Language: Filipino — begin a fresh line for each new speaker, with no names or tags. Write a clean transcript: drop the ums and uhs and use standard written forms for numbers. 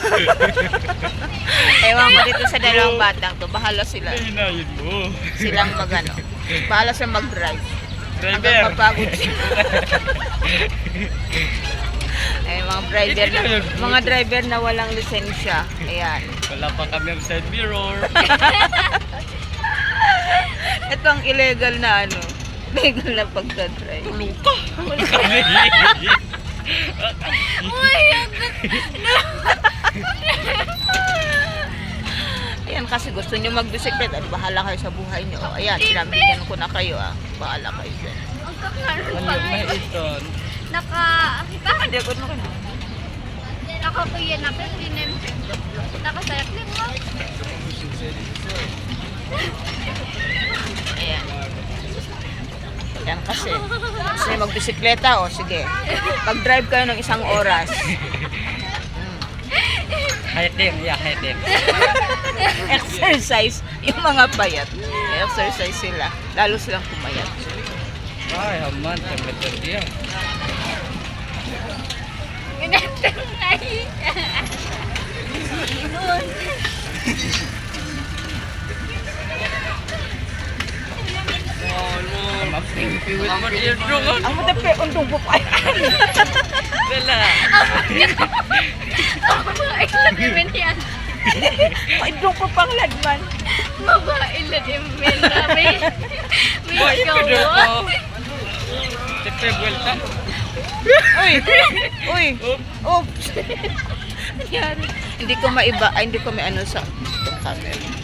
Ewan ko dito sa dalawang batang to. Bahala sila.
Hinayin mo.
Silang magano. Bahala silang mag-drive. Hanggang
Driver.
mapagod sila. Eh, mga driver na walang lisensya. Ayan.
Wala pa kami ang side mirror.
Ito ang illegal na ano. Illegal na pagdadrive.
Tulong ka. Kami.
Ayan, kasi gusto nyo magbisikleta. Bahala kayo sa buhay nyo. Ayan, sinabigyan ko na kayo ah. Bahala kayo dyan.
Ang kakaroon
Ano
pa
na ito?
Hindi, good mo kayo.
nakakuya na pero dinim. Nakasayak din mo.
Ayan. Ayan kasi. Gusto nyo magbisikleta o sige. Pag-drive kayo ng 1 oras.
Hitim, yeah, hitim.
Exercise. Yung mga payat. Exercise sila. Lalo silang pumayat.
Ay, haman, betul dia.
Ganito na
Piwit mo dia dong.
Ang matapi, undong po pa.
Wala.
Mabait na din yan.
Undong po pang ladman.
Mabait na din men.
Boy,
May
pido
gawa.
ko. Tepe vuelta.
Uy! Uy!
Oops.
Oops! Nangyari. Hindi ko maiba, ay hindi ko may ano sa itong camera.